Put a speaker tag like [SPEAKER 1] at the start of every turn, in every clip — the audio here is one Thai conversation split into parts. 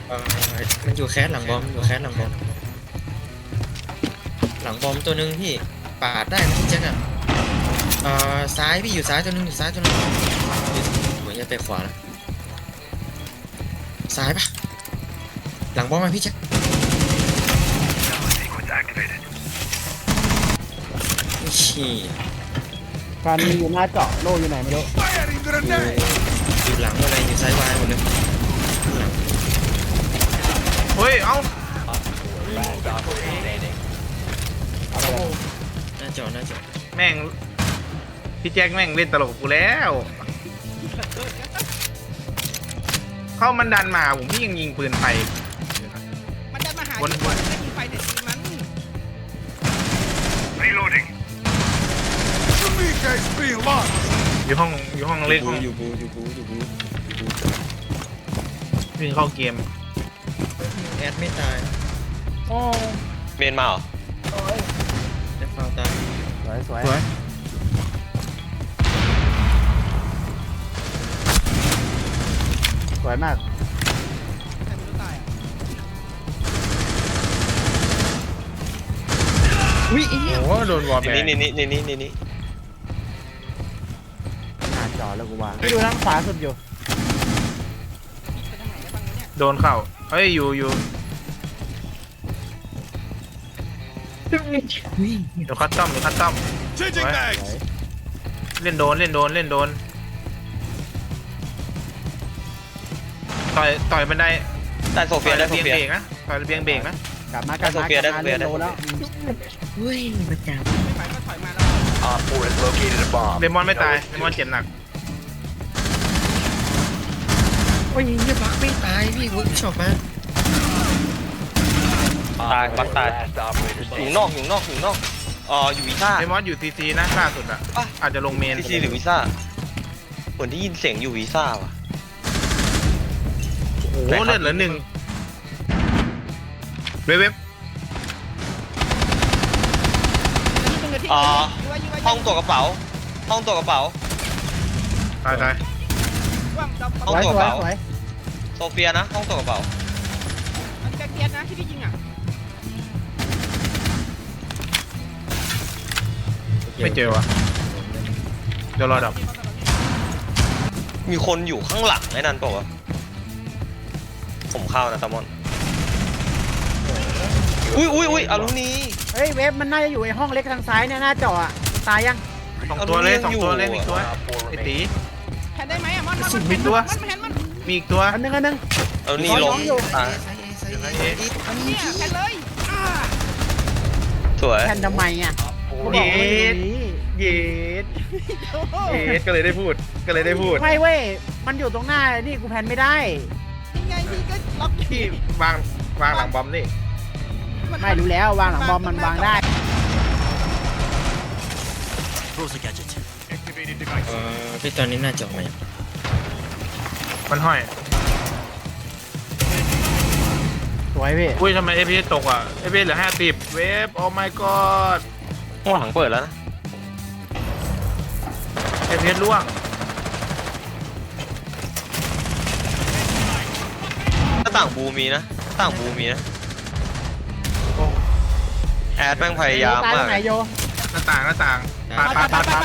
[SPEAKER 1] เอ่อมันอยู่แคสหลังบอมอยู่แคสหลังบอมหลังบอมตัวหนึ่งพี่ปาดได้นะพี่แจ็คอะซ้ายพี่อยู่ซ้ายตัวหนึ่งอยู่ซ้ายตัวหนึ่งเหมือนจะไปขวานะซ้ายปะหลังบอมมาพี่แจ็คชี้
[SPEAKER 2] การมีอยู่หน้าเจาะโล่อยู่ไหนไม่รู้
[SPEAKER 1] อยู่หลังอะไรอยู่ซ้ายวายหมดเลยหลัง
[SPEAKER 3] เฮ้ยเอ้า
[SPEAKER 2] เอาไปเลย
[SPEAKER 1] หน้าจอหน้าจอ
[SPEAKER 3] แม่งพี่แจ็คแม่งเล่นตลกกับกูแล้วเข้ามันดันมาผมพี่ยังยิงปืนไป
[SPEAKER 4] มันจะมาหา
[SPEAKER 3] วน
[SPEAKER 4] ที่คนไม่มีไฟแต่ทีมัน
[SPEAKER 3] อยู่ห้องเล็กห้อง
[SPEAKER 1] อยู่บูอยู่บูอยู่บูอยู่บู
[SPEAKER 3] วิ่งเข้าเกม
[SPEAKER 1] แอดไม่ตาย
[SPEAKER 2] โอ้
[SPEAKER 5] เมนมาเหรอ
[SPEAKER 1] แอดฟาวตาย
[SPEAKER 2] สวยสวย
[SPEAKER 3] สวย
[SPEAKER 2] สวยมาก
[SPEAKER 4] แต่ไม่รู้ตายอ่ะ
[SPEAKER 1] อุ้ยไอ้เนี่ย
[SPEAKER 3] โอ้โหโดนวอลแบ
[SPEAKER 5] นี่
[SPEAKER 3] น
[SPEAKER 5] นี่
[SPEAKER 2] หน้าเจาะแล้วกูวางไปดูทางขวาสุดอยู่
[SPEAKER 4] ไปทางไหนได้บ้างวะเนี่ย
[SPEAKER 3] โดนเข้าเฮ้ยอยู่เดี๋ยวคัดต้อมสวย
[SPEAKER 2] สวย
[SPEAKER 3] เล่นโดนต่อยบันได
[SPEAKER 5] ได้โซ
[SPEAKER 3] ต่
[SPEAKER 5] เฟี
[SPEAKER 3] อย ย
[SPEAKER 5] ได้
[SPEAKER 3] ระ
[SPEAKER 5] โซ
[SPEAKER 3] เบียง
[SPEAKER 5] เฟีย
[SPEAKER 3] เบรกนะต่อยระเบียงเบรกนะ
[SPEAKER 2] กลับมากลับมา
[SPEAKER 5] ได้โซเฟีย
[SPEAKER 2] กลับมา
[SPEAKER 5] ได้
[SPEAKER 2] เล่น
[SPEAKER 5] โซ
[SPEAKER 2] โล
[SPEAKER 5] เฟีย
[SPEAKER 2] แล้ว
[SPEAKER 1] เฮ้ยมาจับ
[SPEAKER 4] ไม่ไหวก็ถอยมาแล้ว
[SPEAKER 3] เดมอนไม่ตายเดมอนเจ็บหนัก
[SPEAKER 1] โอ้ยเนี่ยบักไม่ตายพี่เวิร์กช็อปมา
[SPEAKER 5] ตายบักตายอยู่นอกอยู่วีซ่า
[SPEAKER 3] เดมอนอยู่ซีซีนะล่าสุดอ่ะ
[SPEAKER 5] อ่ะ
[SPEAKER 3] อาจจะลงเมน
[SPEAKER 5] ซีซีหรือวีซ่าเหมือนได้ยินเสียงอยู่วีซ่าว่ะ
[SPEAKER 3] โอ้โหเลือดเหลือ1เว็บ
[SPEAKER 5] ห้องตัวกระเป๋า
[SPEAKER 3] ตาย
[SPEAKER 5] ห้อง
[SPEAKER 2] สวย
[SPEAKER 5] ตัว
[SPEAKER 2] ส
[SPEAKER 5] ก
[SPEAKER 2] วย
[SPEAKER 5] ระเป๋า
[SPEAKER 2] สวย
[SPEAKER 5] โซเฟียนะห้องตัวกระเป๋า
[SPEAKER 4] มันแกเกียร์นะที่พี่ยิงอ่ะ
[SPEAKER 3] ไม่เจอวะเดี๋ยวรอดับ
[SPEAKER 5] มีคนอยู่ข้างหลังไอ้นั่นเปล่าวะผมเข้านะตามอนอุ้ยอารุณี
[SPEAKER 2] เฮ้ยเวฟมันน่าจะอยู่ไอ้ห้องเล็กทางซ้ายเนี่ยหน้าเจาะอะตายยัง
[SPEAKER 3] สองตัวเลยอีกตัวไอ้ตี
[SPEAKER 4] แทนได้ไหมอ่ะมัน
[SPEAKER 3] มีตัว
[SPEAKER 4] มันแทนมัน
[SPEAKER 3] มีอีกตัว
[SPEAKER 2] อันนึง
[SPEAKER 5] อารุณีลงตาย
[SPEAKER 4] เนี่ยแทนเลย
[SPEAKER 5] สวย
[SPEAKER 2] แทนทำไมอ่ะกูบอกว่ามันอยู่ตรงนี้
[SPEAKER 3] เย็ดก็เลยได้พูด
[SPEAKER 2] ไม่เว้ยมันอยู่ตรงหน้านี่กูแพนไม่ได้
[SPEAKER 4] ยังไงพี่ก็ล็อก
[SPEAKER 3] ที่วางหลังบอมนี่
[SPEAKER 2] ไม่รู้แล้ววางหลังบอมมันวางได้
[SPEAKER 1] พี่ตอนนี้น่าจะออกมา
[SPEAKER 3] มันห้อย
[SPEAKER 2] สวยพี่
[SPEAKER 3] อุ้ยทำไมเอพีตกอ่ะเอพีเหลือ50เวฟโอ้ my god
[SPEAKER 5] ห้องหลังเปิดแล้วนะ
[SPEAKER 3] เอพีล่วง
[SPEAKER 5] หน้าต่างบูมีนะแอดแม่งพยายาม
[SPEAKER 2] ตายตร
[SPEAKER 5] มาง ก
[SPEAKER 2] ไหนโย
[SPEAKER 3] หน้าต่างปาด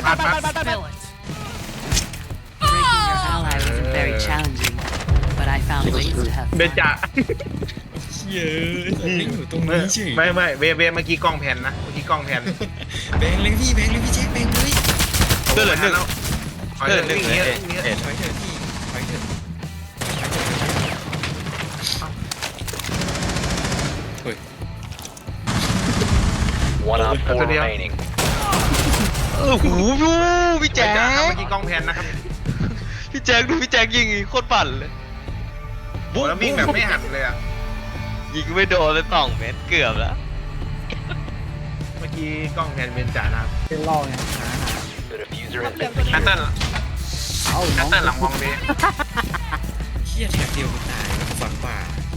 [SPEAKER 6] Breaking your ally isn't very challenging, but I found ways to have
[SPEAKER 3] เบ
[SPEAKER 6] fun.
[SPEAKER 3] จ่า
[SPEAKER 1] เย้ไม่อยู่ตรงนี้เฉย
[SPEAKER 3] ไม่เวเมื่อกี้กล้องแผ่นนะ
[SPEAKER 1] แบงเลยพี่แจ็คแบงเลย
[SPEAKER 5] เลือดเหลือ1
[SPEAKER 3] เลือดเหลือ
[SPEAKER 5] เลือดเหลือ
[SPEAKER 3] 1
[SPEAKER 5] เอ็ด
[SPEAKER 1] ถอยเถอะพี่ถอยเถอะเฮ้ย
[SPEAKER 3] ตัวเดียว
[SPEAKER 5] โอ้โหพี่แจ๊ค
[SPEAKER 3] เมื่อกี้กล้องแผ่นนะครับ
[SPEAKER 5] พี่แจ๊คดูพี่แจ๊คยิงอีกโคตรปั่นเลย
[SPEAKER 3] แล้ววิ่งแบบไม่หันเลยอ่ะ
[SPEAKER 5] ยิงไม่โดนเลย2 เมตรเกือบแล้ว
[SPEAKER 3] เมื่อกี้กล้องแผ่นเป็นจ่านะครับ
[SPEAKER 2] เป็นล่อไงหา
[SPEAKER 3] ฮัตเติ้ล
[SPEAKER 2] เอาน้อง
[SPEAKER 3] หลังมองดี
[SPEAKER 1] เฮียแถบเดียวกูตายฝังป่า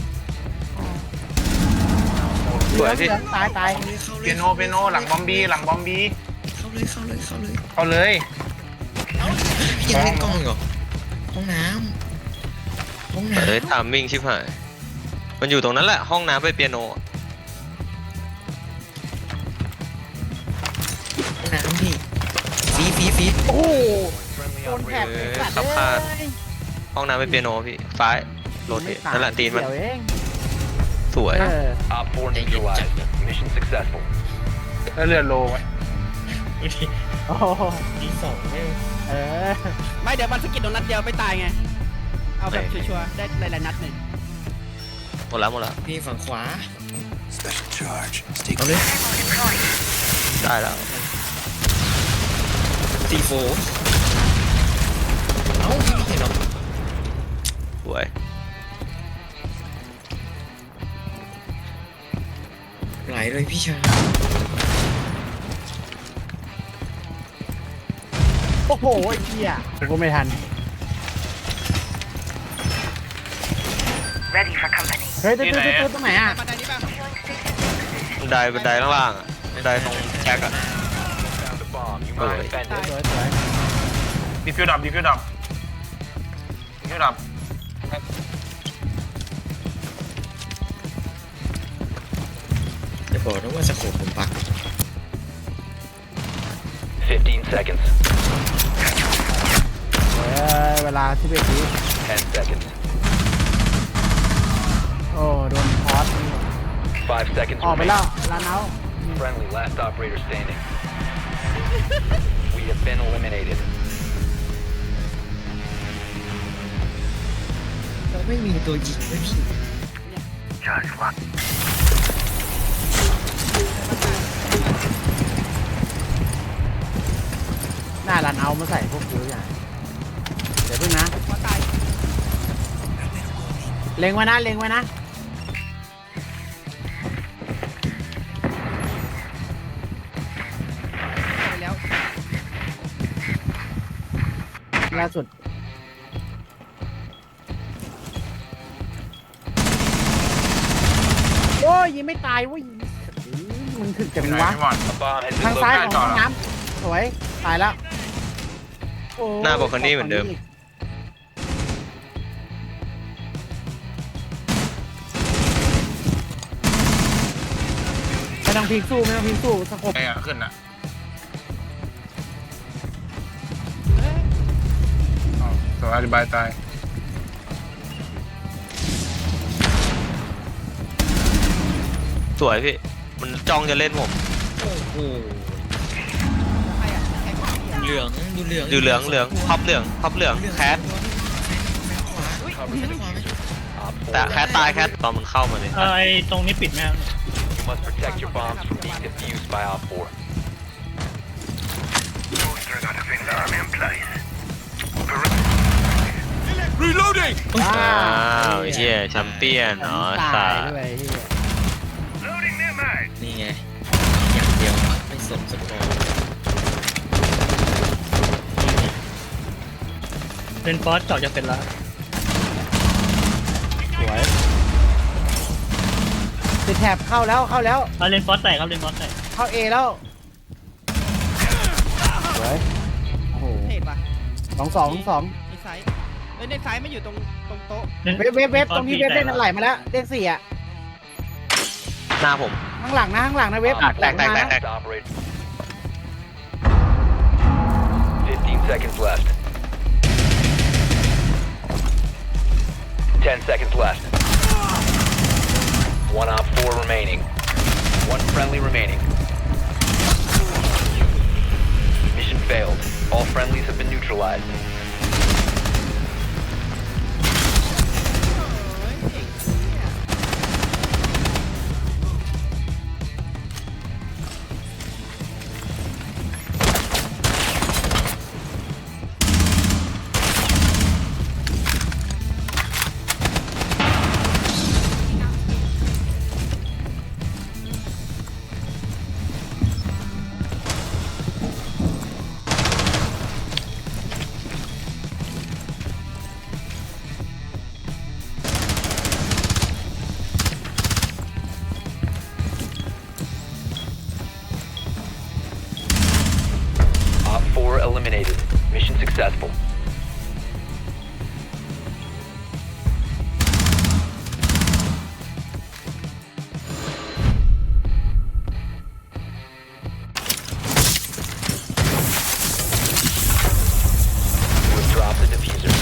[SPEAKER 5] สวยพี่
[SPEAKER 2] ตาย
[SPEAKER 1] เข้าเลย
[SPEAKER 3] เปียโนหลังบอมบี้
[SPEAKER 1] เข้าเลย
[SPEAKER 3] เอาเลย
[SPEAKER 1] พี่ยังเล่นกล้องเหรอห้องน้ำ
[SPEAKER 5] เฮ้ยทามมิ่งชิบหายมันอยู่ตรงนั้นแหละห้องน้ำไปเปียโน
[SPEAKER 1] น้ำพี่ฟี
[SPEAKER 2] โอ้โหโดนแถบไอ้สัตว์
[SPEAKER 5] ขับ
[SPEAKER 2] เล
[SPEAKER 5] คาด
[SPEAKER 2] ย
[SPEAKER 5] ห้องน้ำไปเปียโนพี่ซ้ายโรเทตนั่นแหละตีนมัน
[SPEAKER 2] เดี๋ยวเอง
[SPEAKER 5] สวย
[SPEAKER 2] เออ
[SPEAKER 7] Op 4 neutralized. Mission successful.
[SPEAKER 3] แล้วเรือโลไหม
[SPEAKER 2] โอ้โห
[SPEAKER 1] ตีสองไม่
[SPEAKER 2] เออ
[SPEAKER 4] ไม่เดี๋ยวมันสะกิดโดนนัดเดียวไม่ตายไง เอาแบบชัวร์ๆได้หลายๆนัดหนึ่ง
[SPEAKER 5] หมดแล้วหมดแล้ว
[SPEAKER 1] พี่ฝั่งขวาเอาเลย
[SPEAKER 5] ได้แล้ว
[SPEAKER 1] ตีโฟเอ้าพี่ไม่เห็นหรอ
[SPEAKER 5] สวย
[SPEAKER 1] ไหลเลยพี่ชาย
[SPEAKER 2] โอ้โหไอ้เหี้ยผมก็ไม่ทัน เฮ้ยตัวตรงไหนอ่ะ
[SPEAKER 4] บันไดนี้ป่ะ
[SPEAKER 5] บันไดข้างล่างอ่ะบันไดตรงแจ็คอ่ะ
[SPEAKER 7] Found a bomb. You must
[SPEAKER 5] Alright.
[SPEAKER 7] defend
[SPEAKER 2] ส
[SPEAKER 7] it.
[SPEAKER 2] วยสวย
[SPEAKER 3] ดีฟิวดับดีฟิวดับดีฟิวดับ
[SPEAKER 1] จะบอกนะว่าสโคปผมปัก
[SPEAKER 7] 15 seconds.
[SPEAKER 2] เวลา11 วิ
[SPEAKER 7] 10 seconds.
[SPEAKER 2] โอ้โดนพอส
[SPEAKER 7] 5 seconds
[SPEAKER 2] ออกไป
[SPEAKER 7] remaining.
[SPEAKER 2] แล้วลาเนา
[SPEAKER 7] Friendly, last operator standing. We have been eliminated.
[SPEAKER 1] เราไม่มีตัวยิงเลยพี่
[SPEAKER 2] หน้าลานเอามาใส่พวกกูอย่างเดี๋ยวพึ่งนะ
[SPEAKER 4] พอตาย
[SPEAKER 2] เล็งไว้นะเล็งไว้นะ
[SPEAKER 4] ไปแล้ว
[SPEAKER 2] ล่าสุดโอ้ยยิงไม่ตายเว้ยมึงถึกจัง
[SPEAKER 3] ไหน
[SPEAKER 2] วะ
[SPEAKER 3] พี่มอน
[SPEAKER 7] A bomb has
[SPEAKER 2] ทาง
[SPEAKER 7] been
[SPEAKER 2] ซ้ายข
[SPEAKER 7] located.
[SPEAKER 2] องห้องน้ำสวยตายแล้วโอ้
[SPEAKER 5] หน้าบอกคนนี้เหมือนเดิม
[SPEAKER 2] ไม่ต้องพลิกสู้ไม่ต้องพลิกสู้สกบ
[SPEAKER 3] ไอ้อะขึ้นอ่ะ
[SPEAKER 4] เอ้ย
[SPEAKER 3] อ๋อตัวอธิบายตาย
[SPEAKER 5] สวยพี่มันจ้องจะเล่นผม
[SPEAKER 1] โอ้โห
[SPEAKER 4] ใครอ่ะใครคนเดียว
[SPEAKER 1] เหลืองดูเหลือง
[SPEAKER 5] อยู่เหลืองเหลืองพับเหลืองพับเหลืองแคท
[SPEAKER 1] ขวาอุ้ยขวาไหม
[SPEAKER 7] Op 4
[SPEAKER 5] แต่แคทตายแคทตอนมันเข้ามาเลย
[SPEAKER 8] ไอ้ตรงนี้ปิดไหมครับ
[SPEAKER 7] You must protect your bombs from being defused by Op 4.
[SPEAKER 5] อ้าวเฮียแชมเปี้ยนเนาะ
[SPEAKER 2] ตา
[SPEAKER 5] สาย
[SPEAKER 2] ด้วยเหี้ย
[SPEAKER 1] นี่ไงอย่างเดียวไม่สนสกอร์
[SPEAKER 8] เลนฟอสเจาะจะเสร็จแล้ว
[SPEAKER 2] สวยติดแถบเข้าแล้วเข้าแล้ว
[SPEAKER 8] เอาเลนฟอสแตกครับเลนฟอสแตก
[SPEAKER 2] เข้าเอแล้วสวยโอ้โห
[SPEAKER 4] เทศป่ะ
[SPEAKER 2] 2-2
[SPEAKER 4] ในซ้ายเอ้ยในซ้ายไม่อยู่ตรงโต๊ะ
[SPEAKER 2] เว็บตรงที่เว็บเล่นมันไหลมาแล้วเลข4อ่ะ
[SPEAKER 5] หน้าผม
[SPEAKER 2] ข้างหลังนะเว็บ
[SPEAKER 7] Op
[SPEAKER 5] แตก
[SPEAKER 7] 4
[SPEAKER 5] แตก
[SPEAKER 7] last operator. 15 seconds left. 10 seconds left. One Op 4 remaining. One friendly remaining. Mission failed. All friendlies have been neutralized. the diffuser.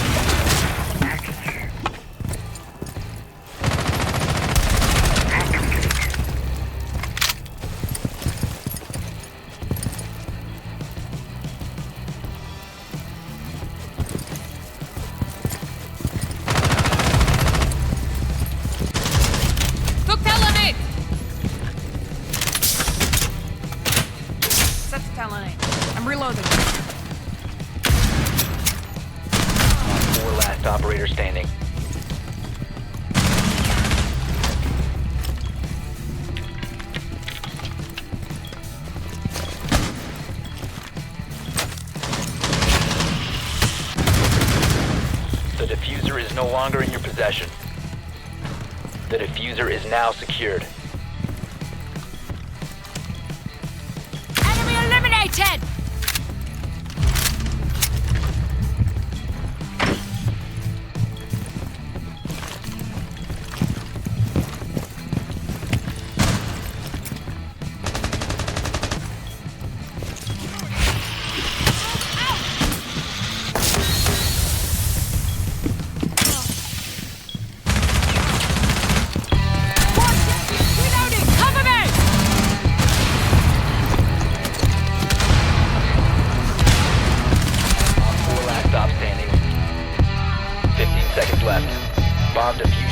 [SPEAKER 6] Propellanate! Set the talonate. I'm reloading.
[SPEAKER 7] 4 last operator standing. The diffuser is no longer in your possession. The diffuser is now secured.
[SPEAKER 6] Enemy eliminated! Reloading! Cover me!
[SPEAKER 7] Four last stop standing. 15 seconds left. Bomb defused.